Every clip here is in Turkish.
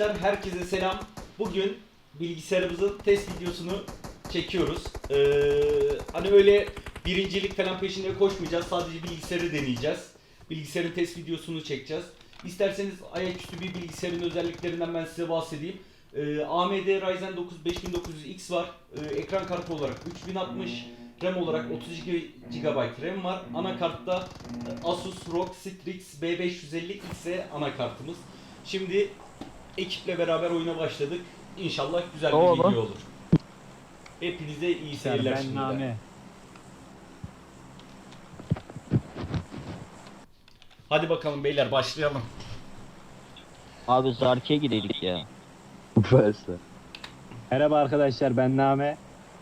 Arkadaşlar herkese selam. Bugün bilgisayarımızın test videosunu çekiyoruz. Hani öyle birincilik falan peşinde koşmayacağız. Sadece bilgisayarı deneyeceğiz. Bilgisayarın test videosunu çekeceğiz. İsterseniz ayaküstü bir bilgisayarın özelliklerinden ben size bahsedeyim. AMD Ryzen 9 5900X var. Ekran kartı olarak 3060, RAM olarak 32 GB RAM var. Anakartta Asus ROG Strix B550X anakartımız. Şimdi ekiple beraber oyuna başladık. İnşallah güzel bir video olur. Hepinize iyi seyirler şimdiden. Hadi bakalım beyler, başlayalım. Abi Zarki'ye gideydik ya. Verse. Merhaba arkadaşlar, ben Name.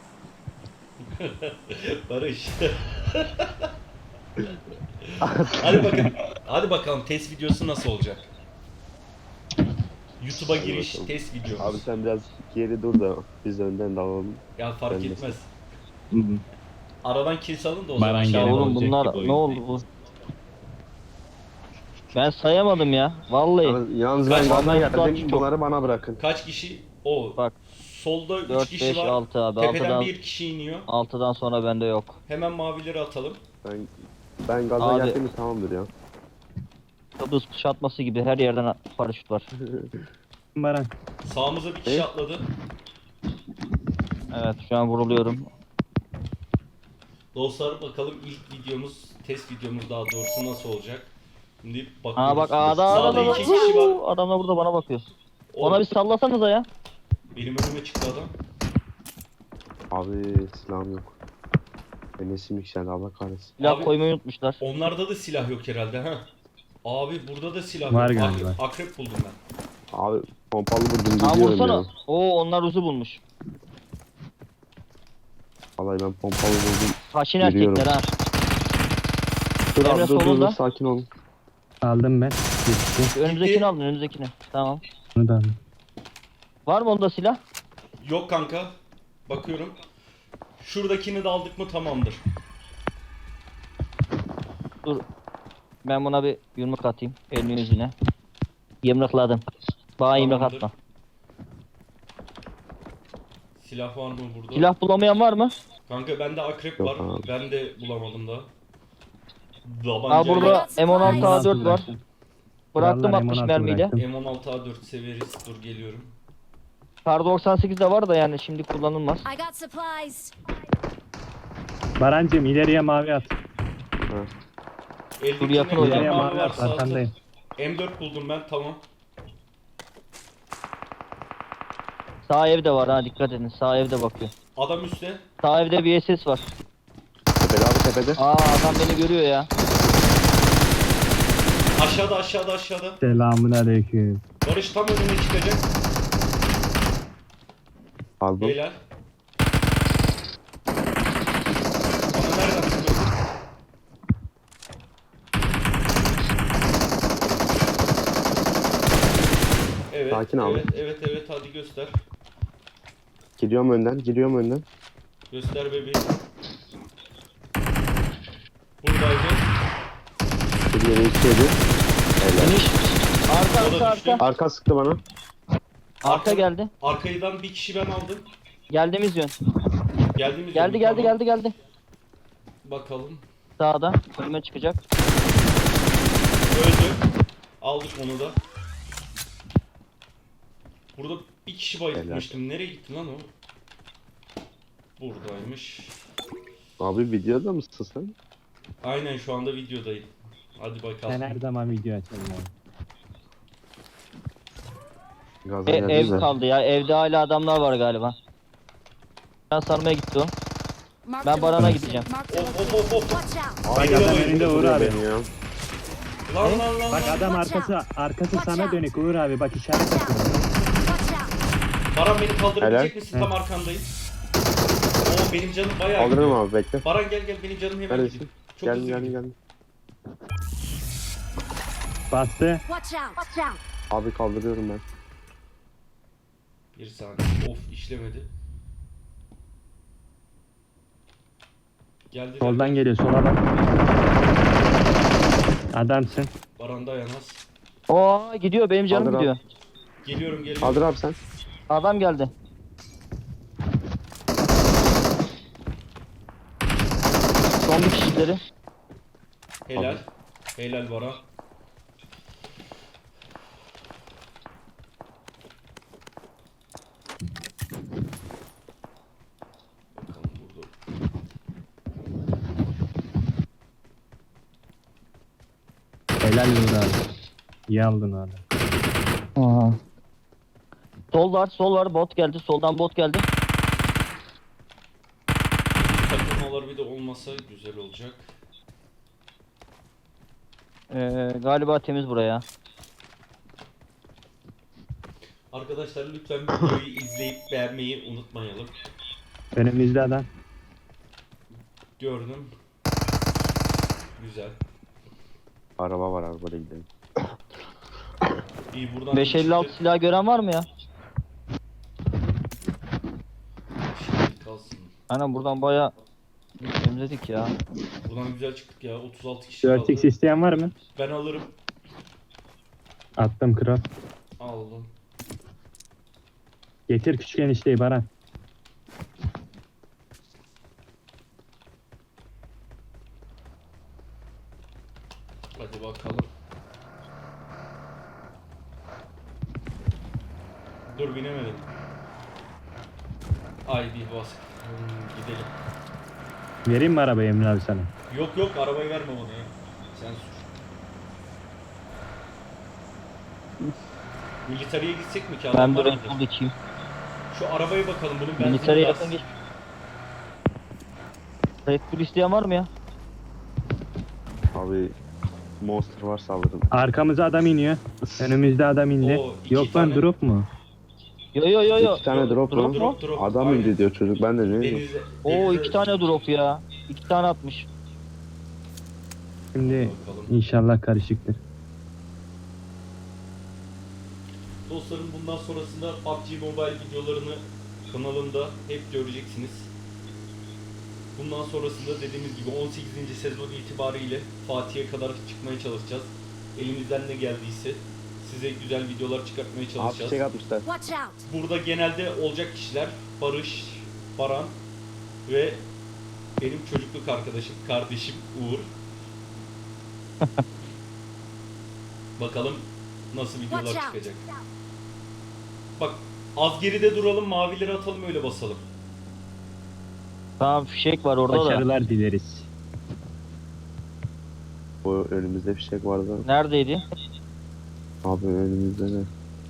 Barış. Hadi bakalım test videosu nasıl olacak? YouTube'a giriş bakalım. test videomuz. Abi sen biraz geri dur da biz önden dalalım. Ya fark Ben de- etmez. Aradan kill alın da o Baran zaman. gene aşağıda Oğlum olacak bunlar gibi oyun. ne oldu bu? Ben sayamadım ya. Vallahi. Yalnız Kaç ben gaza tane geldim. çok- Bunları bana bırakın. Kaç kişi? O. Bak. Solda 3 4, kişi 5, var. 6 abi. Tepeden 6'dan, bir kişi iniyor. 6'dan sonra bende yok. Hemen mavileri atalım. Ben gaza Abi. geldim mi tamamdır ya. Kıbrıs kuşatması gibi her yerden paraşüt var. Baran. Sağımıza bir kişi atladı. Evet şu an vuruluyorum. Dostlar bakalım ilk videomuz, test videomuz daha doğrusu nasıl olacak? Şimdi bakıyoruz. Aa bak Sağda adam iki kişi var. adamlar burada bana bakıyor. O, Ona bir sallasanıza ya. benim önüme çıktı adam. Abi silahım yok. Enes'im yükseldi Allah kahretsin. Silah Abi- koymayı unutmuşlar. Onlarda da silah yok herhalde ha. Abi burada da silah Var yok. galiba. Akrep buldum ben. Abi pompalı vurdum Aa gidiyorum vursana. ya. Oo onlar uzu bulmuş. Vallahi ben pompalı vurdum. Haşin Yürüyorum. erkekler ha. Dur Emre abi dur solunda. sakin olun. Aldım ben. Gitti. Önümüzdekini aldın önümüzdekini. Tamam. Bunu da aldım. Var mı onda silah? Yok kanka. Bakıyorum. Şuradakini de aldık mı tamamdır. Dur. Ben buna bir yumruk atayım. Elini yüzüne. Yumrukladım. Bana yumruk Tamamdır. atma. Silah var mı burada? Silah bulamayan var mı? Kanka bende akrep Yok var. abi. Ben de bulamadım daha. Aa burada M16 A4 var. Bıraktım. Bıraktım Vallahi 60 M16 mermiyle. bıraktım. M16A4 severiz. Dur geliyorum. Kar 98 de var da yani şimdi kullanılmaz. I got supplies. Barancığım ileriye mavi at. Eldeki yakın ne hocam. kadar İleriye mavi mavi varsa at atın. arkandayım. M4 buldum ben, tamam. Sağ evde var ha dikkat edin. Sağ evde bakıyor. Adam üstte. Sağ evde bir SS var. Tepede abi tepede. Aa adam beni görüyor ya. Aşağıda. Selamun aleyküm. Barış tam önüne çıkacak. Aldım. Beyler. Bana nereden sıkıyorsun? Evet, Sakin abi. evet, hadi göster. Giriyorum önden. Göster bebeğim. Buradaydı. Bir yere içeri. Finish. Arka O da arka düştü. arka. Arka sıktı bana. Arka geldi. Arkaydan bir kişi ben aldım. Geldiğimiz yön. Geldiğimiz Geldi yolda, geldi tamam. geldi. Bakalım. Sağda. Önüme çıkacak. Öldü. Aldık onu da. Burada bir kişi bayıltmıştım. Nereye gitti lan o? Buradaymış. Abi videoda mısın sen? Aynen şu anda videodayım. Hadi bakalım. Ben her zaman video açarım abi. Gaza Ev geldim de. kaldı ya. Evde hala adamlar var galiba. Ben sarmaya gitti o. Marked Ben a Baran'a location. gideceğim. Marked a Of location. of. Watch out. Bak Beni de adam bayılttı. önünde Uğur abi. Beni ya. Lan. Bak adam arkası sana dönük Uğur abi, bak işaret Watch atıyor. out. Watch out. Baran beni kaldırabilecek Helal. misin? Tam arkandayım. Oo benim canım bayağı Kaldırırım gidiyor. abi bekle. Baran gel benim canım hemen Neredesin? gidiyor. Çok hızlı Geldim gidiyor. Bastı. Watch out. Watch out. Abi kaldırıyorum ben. Bir saniye. Of işlemedi. Geldi. Soldan geliyor, sola bak. Adamsın. Baran dayanmaz. Oo gidiyor benim canım Kaldır abi. gidiyor. Geliyorum. Kaldır abi sen. Adam geldi. Son bir kişileri. Helal. Helal Baran. Bakalım burada. Helal Uğur abi. İyi aldın abi. Aha. Sol var bot geldi. Soldan bot geldi. Takılmalar bir de olmasa güzel olacak. Galiba temiz buraya. Arkadaşlar lütfen videoyu izleyip beğenmeyi unutmayalım. Önümüzde adam. Gördüm. Güzel. Araba var, arabayla gidelim. İyi buradan 556 çıktı. silah gören var mı ya? Şimdi kalsın. Aynen buradan baya temizledik ya. Buradan güzel çıktık ya. 36 kişi 4x kaldı. isteyen var mı? Ben alırım. Attım kral. Aldım. Getir küçük enişteyi Baran. Hadi bakalım. Dur binemedim. Ay bir bas. Gidelim. Vereyim mi arabayı Emre abi sana? Yok arabayı verme bana ya. Sen sür. Militariye gitsek mi ki? Ben Adamlar bir mıdır? Red Bull içeyim. Şu arabaya bakalım bunun benzini Militariye biraz. yakın geç. Red Bull isteyen var mı ya? Abi monster varsa alırım. Arkamıza adam iniyor. Önümüzde adam indi. Oo, iki Yok lan tane. drop mu? Yo. 2 tane drop mu? Drop. Adam Aynen. indi diyor çocuk, ben de ne diyeyim. Denize, Oo denize- 2 tane drop ya. 2 tane atmış. Şimdi Bakalım. inşallah karışıktır. Dostlarım bundan sonrasında PUBG Mobile videolarını kanalımda hep göreceksiniz. Bundan sonrasında dediğimiz gibi 18. sezon itibariyle Fatih'e kadar çıkmaya çalışacağız. Elimizden ne geldiyse size güzel videolar çıkartmaya Abi çalışacağız. çiçek atmışlar. Watch out! Burada genelde olacak kişiler Barış, Baran ve benim çocukluk arkadaşım, kardeşim Uğur. Bakalım nasıl videolar Watch out! çıkacak. Bak az geride duralım, mavileri atalım öyle basalım. Tamam fişek var orada da. Başarılar dileriz. Bu önümüzde fişek vardı. Neredeydi? Abi önümüzde ne?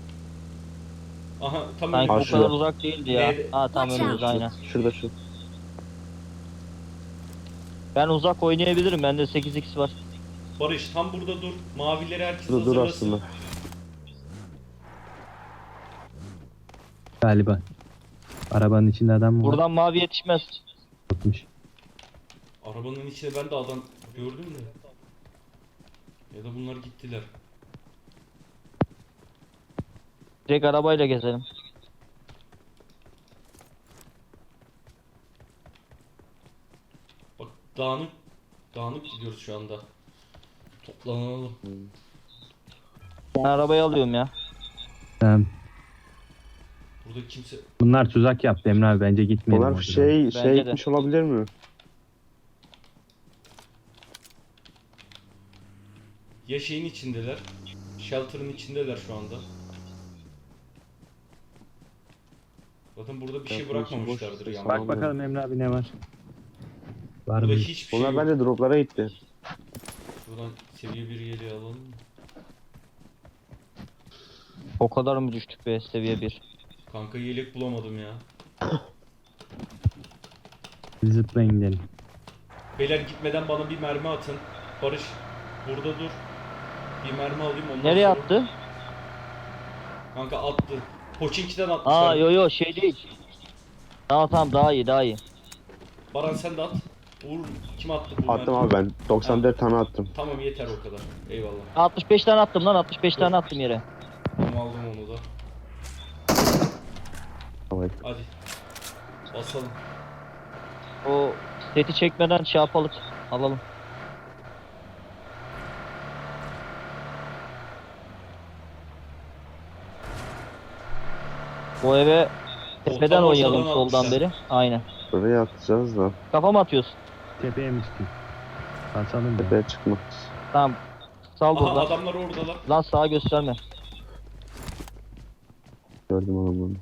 Aha tam Sanki önümüzde. o kadar uzak değildi ya. Nerede? Ha tam Watch önümüzde out. aynen. Şurada şu. Ben uzak oynayabilirim. Bende 8x var. Barış tam burada dur. Mavileri herkes Şurada dur hazırlasın. aslında. Galiba. Arabanın içinde adam mı var? Buradan mavi yetişmez. Yokmuş. Arabanın içine ben de adam gördüm de. Ya da bunlar gittiler. Direkt arabayla gezelim. Bak dağınık gidiyoruz şu anda. Toplanalım. Ben arabayı alıyorum ya. Tamam. Burada kimse... Bunlar tuzak yaptı Emre abi, bence gitmeyelim. Onlar oradan. şey Bence de. gitmiş olabilir mi? Ya şeyin içindeler. Shelter'ın içindeler şu anda. Zaten burada bir şey Shelter'ın içi bırakmamışlardır boş. yani. Bak bakalım Emre abi ne var? Var Burada mı? hiçbir şey Onlar yok. bence droplara gitti. Buradan seviye 1 yeleği alalım. O kadar mı düştük be seviye 1? Kanka yelek bulamadım ya. Zıplayın gidelim. Beyler gitmeden bana bir mermi atın. Barış burada dur. Bir mermi alayım ondan Nereye sonra- attı? Kanka attı. Poçinki'den atmışlar. Aa yo şey değil. Tamam daha iyi. Baran sen de at. Uğur kim attı bu Attım mermiyi? abi ben. 94 tane attım. Tamam yeter o kadar. Eyvallah. 65 tane attım lan 65 tane attım yere. Tamam aldım onu da. Tamam. Hadi. Basalım. O seti çekmeden şey yapalım. Alalım. O eve tepeden Ortadan oynayalım ortadan soldan almışlar. beri. Aynen. Buraya atacağız da. Kafa mı atıyorsun? Tepeye mi çıkayım? Kaçalım ya. Tepeye çıkma. Tamam. Sal Aha burada. adamlar oradalar. Lan sağa gösterme. Gördüm adamları.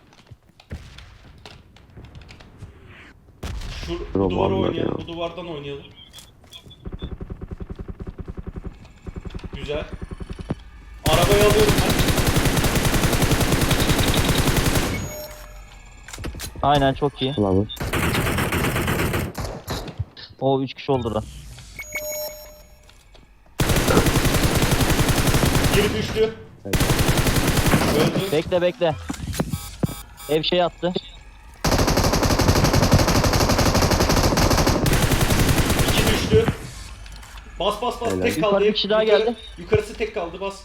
Bu Yok, duvara vallahi oynayalım. ya. Bu duvardan oynayalım. Güzel. Arabayı alıyorum ben. Aynen çok iyi. Al abi. O 3 kişi oldu da. Biri düştü. Öldü. Bekle bekle. Ev şey attı. İki düştü. Bas bas bas. Helal. Tek kaldı. Yukarı bir kişi daha geldi. Yukarısı tek kaldı. Bas.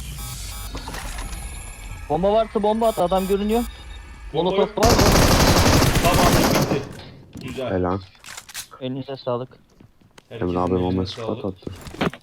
Bomba varsa bomba at, adam görünüyor. Bomba Molotof yok. var mı? Tamam bitti. Güzel. Helal. Elinize sağlık. Herkesin Emre abi eline bomba sağlık. spot attı.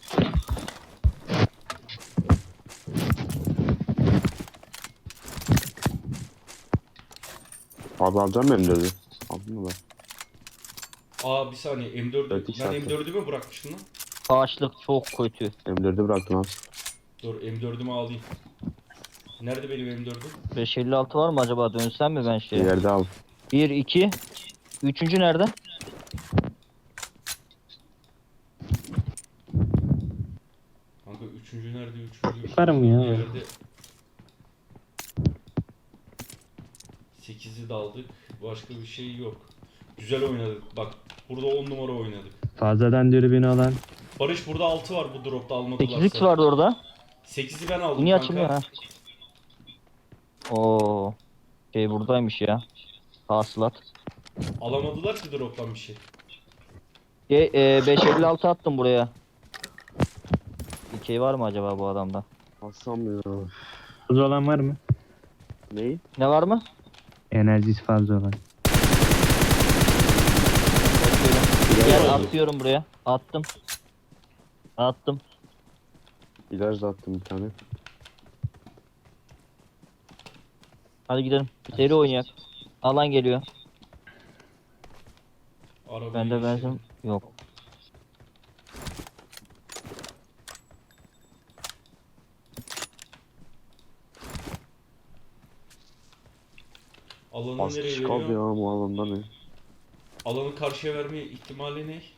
Abi alacağım ben M4'ü. Aldın mı ben? Aa bir saniye M4'ü. Evet, iki Ben saatte. M4'ü mü bırakmıştım lan? Ağaçlık çok kötü. M4'ü bıraktım abi. Dur M4'ümü alayım. Nerede benim M4'üm? 556 var mı acaba? Dönsem mi ben Bir şeye? yerde al. 1, 2. Üçüncü nerede? Kanka üçüncü nerede? Üçüncü. Var mı ya? Yerde. 8'i de aldık. Başka bir şey yok. Güzel oynadık. Bak burada 10 numara oynadık. Fazladan dürbünü olan. Barış burada 6 var bu dropta almadılarsa. 8x vardı orada. 8'i ben aldım Bu niye kanka. açılmıyor ha? Oo. Şey buradaymış ya. Hasılat. Alamadılar ki droptan bir şey. 556 attım buraya. Bir şey var mı acaba bu adamda? Alsam ya. Fazla olan var mı? Neyi? Ne var mı? Enerjisi fazla olan. Gel atıyorum buraya. Attım. Attım. İlaç da attım bir tane. Hadi gidelim. Seri oynayak. Alan geliyor. Arabayı Bende geçelim. benzin yok. Alanı Az nereye kişi kaldı ya veriyor? bu alanda ne? Alanı karşıya verme ihtimali ne?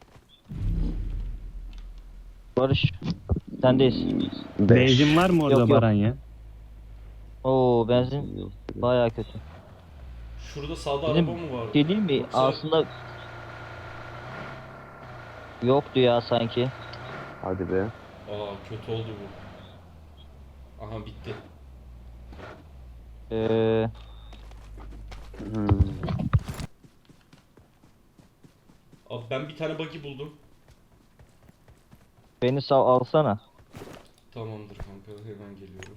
Barış. Sendeyiz. Benzin var mı orada Yok, yok. Baran ya? Oo benzin Yok. bayağı kötü. Şurada sağda Bizim araba mı var? şey değil mi? Yoksa- Aslında yoktu ya sanki. Hadi be. Aa kötü oldu bu. Aha bitti. Ee, Hmm. Abi ben bir tane buggy buldum. beni sağ alsana. Tamamdır kanka hemen geliyorum.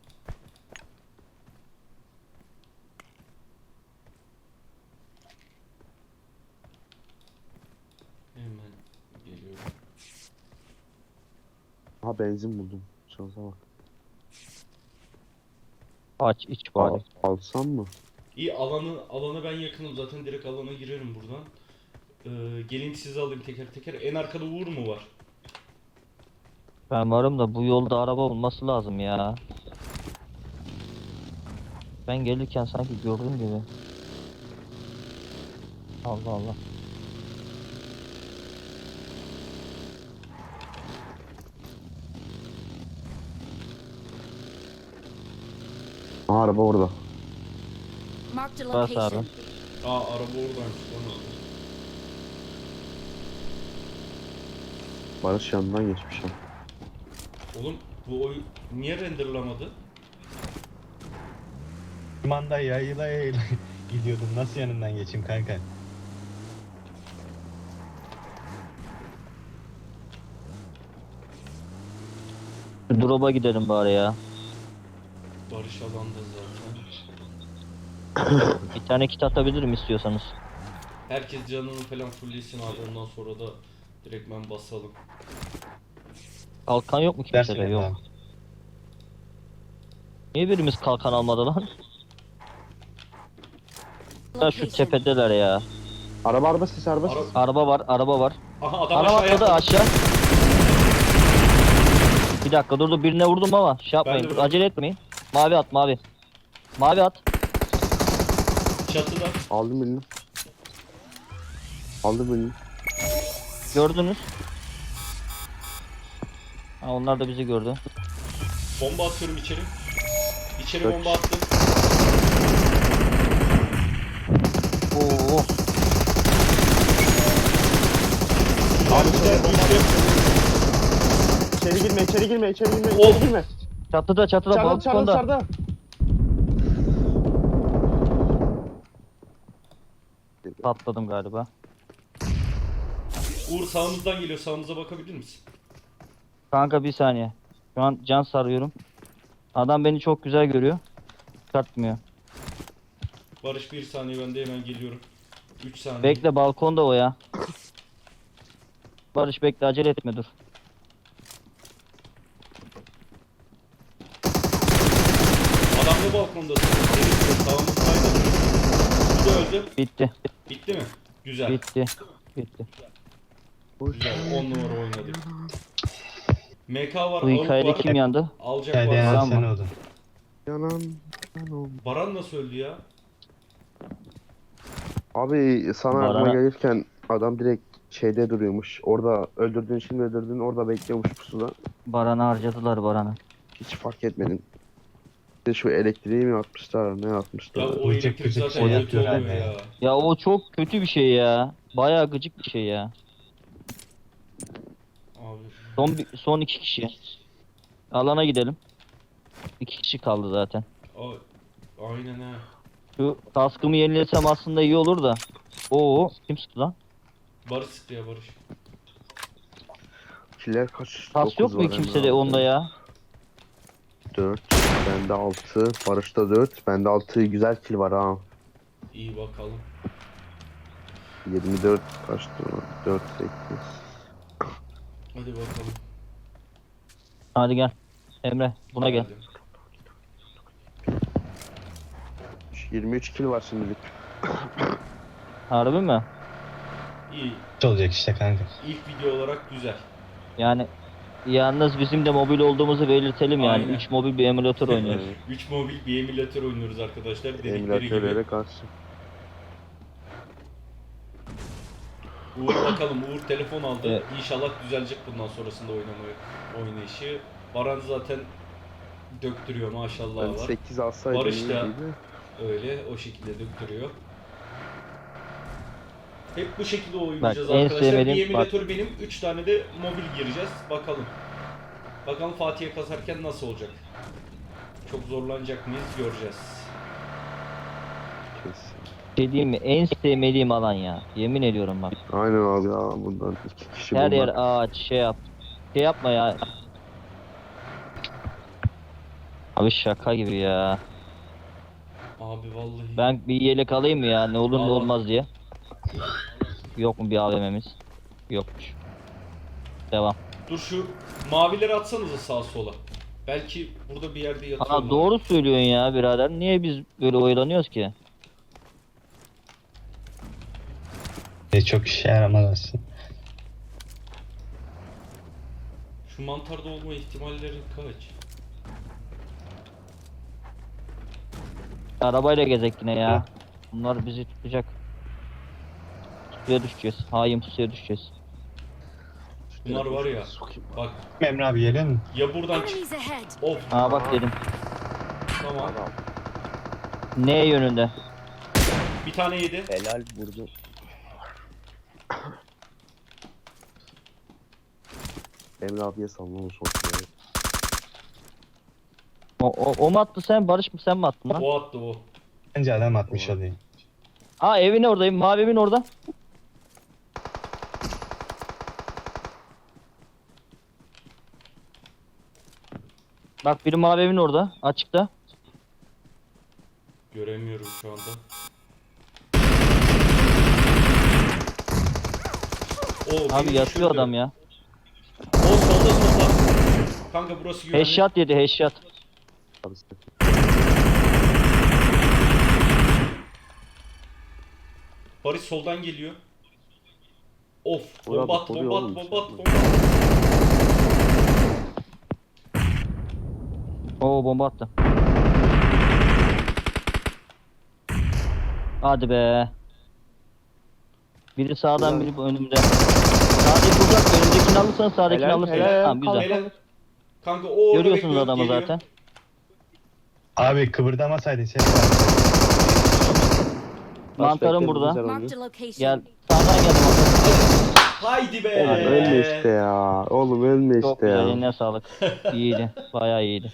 Hemen geliyorum. Ha benzin buldum. Şansa bak. Aç iç bari. Alsam mı? İyi alanı ben yakınım zaten direkt alana girerim buradan. Gelin sizi alayım teker teker. En arkada Uğur mu var? Ben varım da bu yolda araba olması lazım ya. Ben gelirken sanki gördüm gibi. Allah Allah. Aha araba orada. Marked a Bas abi. location. Aa araba oradaymış lan orada. Barış yanından geçmiş ha. Oğlum bu oyun niye renderlamadı? Manda yayla yayla gidiyordum. Nasıl yanından geçeyim kanka? Drop'a gidelim bari ya. Barış alanda zaten. Bir tane kit atabilirim istiyorsanız. Herkes canını falan fulllesin abi ondan sonra da direktmen basalım. Kalkan yok mu kimsede? Yok. Niye birimiz kalkan almadı lan? Da şu tepedeler ya. Araba ses araba ses. Ara- Araba var, araba var. Aha adam Araba aşağıya atladı atladı. aşağı. Bir dakika dur birine vurdum ama şey yapmayın. Ben de Dur, acele etmeyin. Mavi at mavi. Mavi at. Çatıda. Aldım birini. Aldım birini. Gördünüz. Ha, onlar da bizi gördü. Bomba atıyorum içeri. İçeri Kaç? bomba attım. Oo. Abi güzel düştü. İçeri girme, içeri girme, içeri girme, Of. içeri girme. Çatıda balkonda. Dışarıda. Patladım galiba. Uğur sağımızdan geliyor. Sağımıza bakabilir misin? Kanka bir saniye. Şu an can sarıyorum. Adam beni çok güzel görüyor. Çıkartmıyor. Barış bir saniye, ben de hemen geliyorum. 3 saniye. Bekle balkonda o ya. Barış bekle acele etme dur. Adam ne balkondasın? Evet, sağımızdaydı. Bu da öldü. Bitti. Bitti mi? Güzel. Bitti. Bitti. Güzel. 10 numara oynadık. MK var, Bu AWP hikayede var. kim yandı? Alacak Hadi var. ya Tamam. sen oldun. Yanan. Baran nasıl öldü ya? Abi sana Bana- aklıma gelirken adam direkt şeyde duruyormuş. Orada öldürdüğün şimdi öldürdüğün orada bekliyormuş pusuda. Baran'ı harcadılar Baran'ı. Hiç fark etmedim. Bir de şu elektriği mi atmışlar ne atmışlar. Ya o Gıcık elektrik gıcık zaten şey kötü yapıyorlar oluyor ya. ya. Ya o çok kötü bir şey ya. Bayağı gıcık bir şey ya. Abi. Son iki kişi. Alana gidelim. İki kişi kaldı zaten. Aynen ha. Şu kaskımı yenilesem aslında iyi olur da. Oo kim sıktı lan? Barış sıktı ya Barış. Killer kaç? Kas yok 9 mu var kimsede Emre abi. onda ya? 4. Bende 6. Barış'ta 4. Bende 6 güzel kill var ha. İyi bakalım. 24 kaçtı? 4 8. Hadi bakalım. Hadi gel. Emre buna gel. Hadi. 23 kill var şimdilik. Harbi mi? İyi. Olacak işte kanka. İlk video olarak güzel. Yani yalnız bizim de mobil olduğumuzu belirtelim yani. Aynen. 3 mobil bir emülatör oynuyoruz. 3 mobil bir emülatör oynuyoruz arkadaşlar. Dedikleri Emülatörlere gibi. karşı. Uğur bakalım. Uğur telefon aldı. Evet. İnşallah düzelecek bundan sonrasında oynayışı. Baran zaten döktürüyor maşallah Ben var. 8 alsaydım Barış da- iyiydi. Öyle o şekilde döktürüyor. Hep bu şekilde oynayacağız Bak, en arkadaşlar. Bir sevmediğim- emülatör benim. 3 tane de mobil gireceğiz. Bakalım. Bakalım Fatih'e kazarken nasıl olacak? Çok zorlanacak mıyız göreceğiz. Kesin. Şey diyeyim mi? En sevmediğim alan ya. Yemin ediyorum bak. Aynen abi ya bundan 2 kişi Her yer bulmak. ağaç şey yap. Şey yapma ya. Abi şaka gibi ya. Abi vallahi. Ben bir yelek alayım mı ya? Ne olur ne Al. olmaz diye. Yok mu bir AVM'miz? Yokmuş. Devam. Dur şu mavileri atsanıza sağa sola. Belki burada bir yerde yatıyorlar. Aa doğru söylüyorsun ya birader. Niye biz böyle oyalanıyoruz ki? Çok işe yaramaz aslında. Şu mantarda olma ihtimalleri kaç? Arabayla gezek yine ya. Bunlar bizi tutacak. Suya düşeceğiz. Hain suya düşeceğiz. Bunlar var ya. Sokayım. Bak Emre abi geliyor mu? ya buradan çık. Enemies ahead. Of Aa bak dedim. tamam. Adam Ne yönünde? Bir tane yedi. helal vurdu. Emre abiye sallama o son silahı. O mu attı sen? Barış mı sen mi attın lan? O attı o. Bence adam atmış oluyor. Aa evin oradayım. Mavi evin orada. Bak biri mavi evin orada. Açıkta. Göremiyorum şu anda. O, Abi beni yatıyor düşürdü. adam ya. O solda. Kanka burası güvenli. Headshot yedi headshot. Abi sen- Barış soldan geliyor. Of. Ulan Bomba at, oluyor bomba oğlum, at, bomba at, şey bomba at. Oo bomba attı. Hadi be. Biri sağdan biri bu önümde. Sağdaki uzak, önündekini alırsan sağdakini Helal, alırsın. helal, Tamam güzel. Helal. Kanka o orada Görüyorsunuz bekliyor, adamı geliyor. zaten. Abi kıvırdamasaydın ses var. Mantarım bekle, burada. güzel Marked oynuyor. a location. Gel. Sağdan geldim. Haydi be. Oğlum ölme işte ya. Oğlum ölme Çok işte güzel. ya. Eline sağlık. İyiydi. Bayağı iyiydi.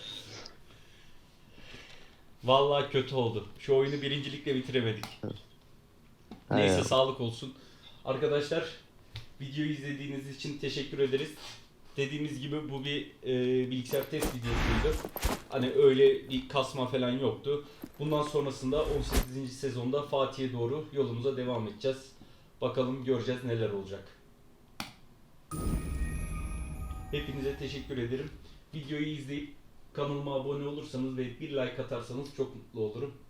Vallahi kötü oldu. Şu oyunu birincilikle bitiremedik. Neyse Evet. sağlık olsun. Arkadaşlar videoyu izlediğiniz için teşekkür ederiz. Dediğimiz gibi bu bir bilgisayar test videosuydu. Hani öyle bir kasma falan yoktu. Bundan sonrasında 18. sezonda Fatih'e doğru yolumuza devam edeceğiz. Bakalım göreceğiz neler olacak. Hepinize teşekkür ederim. Videoyu izleyip kanalıma abone olursanız ve bir like atarsanız çok mutlu olurum.